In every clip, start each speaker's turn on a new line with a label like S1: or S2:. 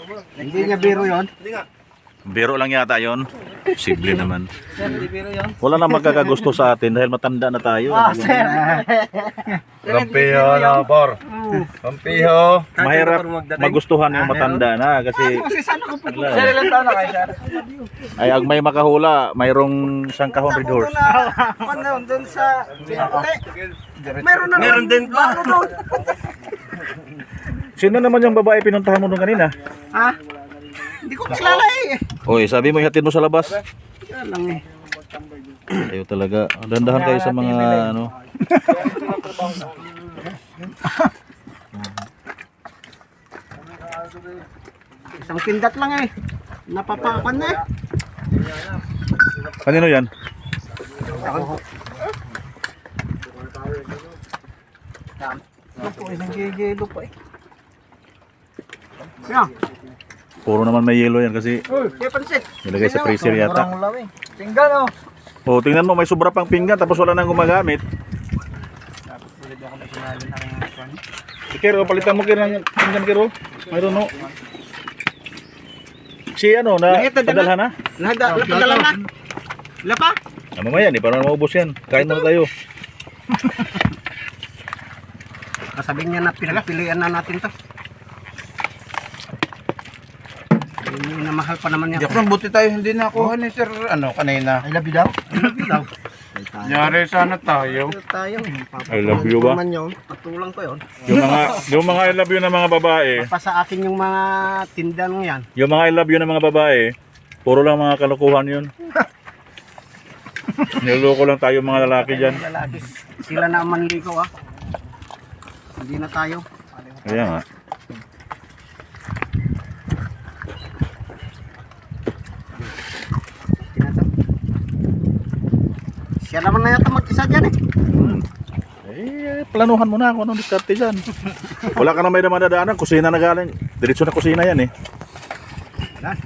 S1: Hindi niya biro yun.
S2: Biro lang yata yon. Posible naman.
S1: Sir, hindi biro yun.
S2: Wala na magkakagusto sa atin dahil matanda na tayo.
S1: Sir.
S3: Rampiho na por. Rampiho.
S2: Mahirap magustuhan yung matanda na kasi
S1: Sir, ilang taon na kayo, sir?
S2: ay ang may makahula, mayroong isang kahon red horse.
S1: Ano, doon sa Pinaputi. Meron na. Meron din pa.
S2: Sino naman yung babae pinuntahan mo nung kanina?
S1: Ha? Hindi ko kilala eh.
S2: Oy, sabi mo ihatid mo sa labas.
S1: Yan lang eh.
S2: Ayaw talaga. Dandahan kayo sa mga ano.
S1: Isang kindat lang eh. Napapakan na eh.
S2: Kanino yan?
S1: Ako eh, nanggigilo pa eh. Yan.
S2: Puro naman may yellow yan kasi
S1: Kaya pansit.
S2: nilagay sa freezer yata.
S1: Tingnan oh.
S2: Oh, tingnan mo may sobra pang pinggan tapos wala nang gumagamit. Si Kero, palitan mo Kero ng pinggan Kero. I don't know. Si ano na padalhan na?
S1: Napadala na. Wala pa?
S2: Ah, mamaya ni para maubos yan. Kain muna tayo.
S1: Kasabihin niya na pinagpilian na natin to. Hindi na mahal pa naman yan.
S3: Jackson, buti tayo hindi nakuha ni sir ano kanina.
S1: I love you daw. I love you daw.
S3: Nyari sana tayo.
S1: Tayo.
S2: I love you ba?
S1: Man yun. Patulang ko yun.
S2: Yung mga I love you ng mga babae,
S1: Pa sa akin yung mga tindan yan.
S2: yung mga I love you ng mga babae, puro lang mga kalokohan yun. Niloloko lang tayo mga lalaki dyan.
S1: Lalaki. Sila na ang manligaw ah. Hindi na tayo.
S2: Kaya nga.
S1: Siya naman na yata mag-isa dyan eh.
S2: Planuhan mo na kung anong diskarte dyan. Wala ka na may madadaanan, kusina na galing. Diretso na kusina yan eh.
S1: Dan.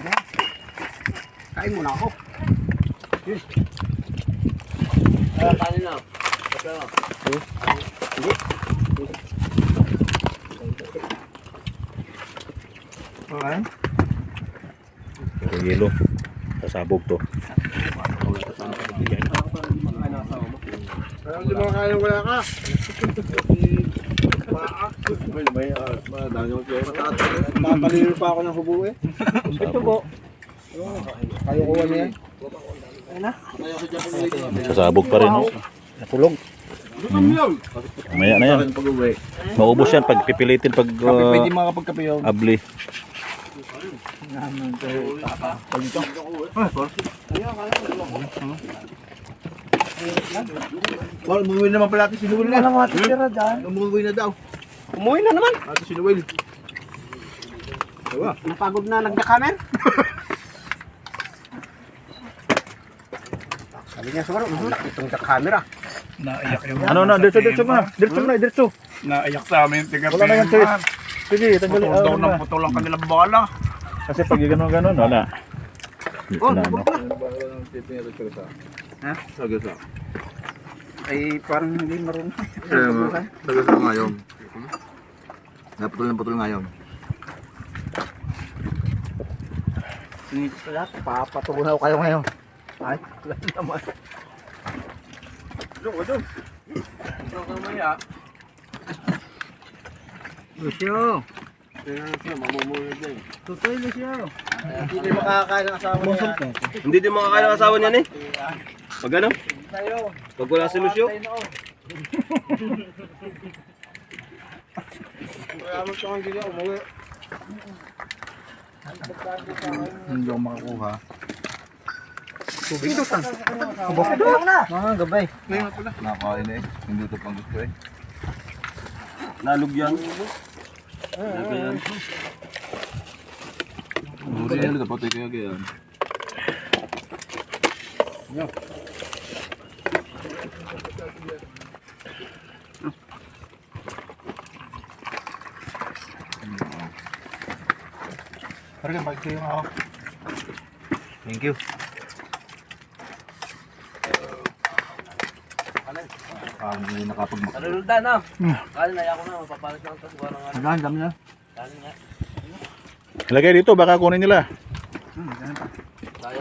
S1: Kain muna ako. Kain na.
S3: Okay.
S2: Pero yelo. Sasabog to.
S3: Hindi mo kaya wala ka. May tatalino pa ako ng hubo eh.
S1: Ito po.
S3: Kayo kuha niya.
S2: Sasabog pa rin. Oh.
S1: Nakulong.
S2: Maya na yan. Maubos yan pag pipilitin pag
S3: Pwede makapagkape yun.
S2: abli.
S3: Well, umuwi naman pala ito si Noel na.
S1: Alam mo natin tira dyan.
S3: Umuwi na daw.
S1: Umuwi na naman.
S3: Ito si Noel. Diba?
S1: Napagod na nagda-camera. Sabi niya siguro, malaki itong camera.
S3: Naiyak yung
S2: Ano na, diretso na. Diretso na, diretso.
S3: naiyak sa amin.
S2: Wala na yan, Chris. Sige, tanggalin.
S3: Daw ng putol ang kanilang bala.
S2: Kasi pag gano'n, wala.
S1: Oh,
S2: Wala, no?
S1: Ha?
S3: Sagasa.
S1: Ay, parang hindi marunong.
S3: Sagasa ngayon. Naputol ng putol ngayon.
S1: Dito pala, papatunaw kayo ngayon. Ay, wala naman. Lucio. Tutoy, Lucio.
S3: Hindi makakain ang asawa niya.
S4: Hindi din makakain ang asawa niya ni. Pag ano? Pag wala si Lucio.
S3: Hindi ako makakuha.
S1: Tubig doon. Kubok na. Mga gabay.
S3: Nakakain eh. Hindi ito pang gusto eh.
S4: Nalugyan.
S3: Muri yan. Dapat ito kaya yan.
S1: Parang balik kayo ako.
S3: Thank you. Hindi nakapagmak.
S4: Nalulda na. Kala na ako na. Mapapalit lang ito. Siguro nga.
S3: Ang dami na.
S4: Kala nga.
S2: Ilagay dito, baka kunin nila.
S1: Ganun pa.
S4: Kaya.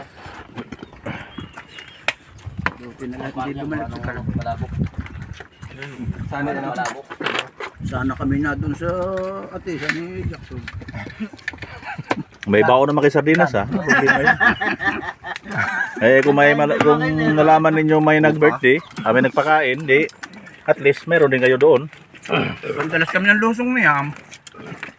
S1: Buti na lang hindi bumalik sa kalabok.
S4: Malabok. Sana na malabok.
S1: Sana kami na dun sa atisan ni Jackson.
S2: May baon naman kay sardinas ha. Problema yun. Eh kung kung nalaman ninyo may nag-birthday, may nagpakain, di at least meron din kayo doon.
S1: Ang dalas kami ng lusong ni Ham.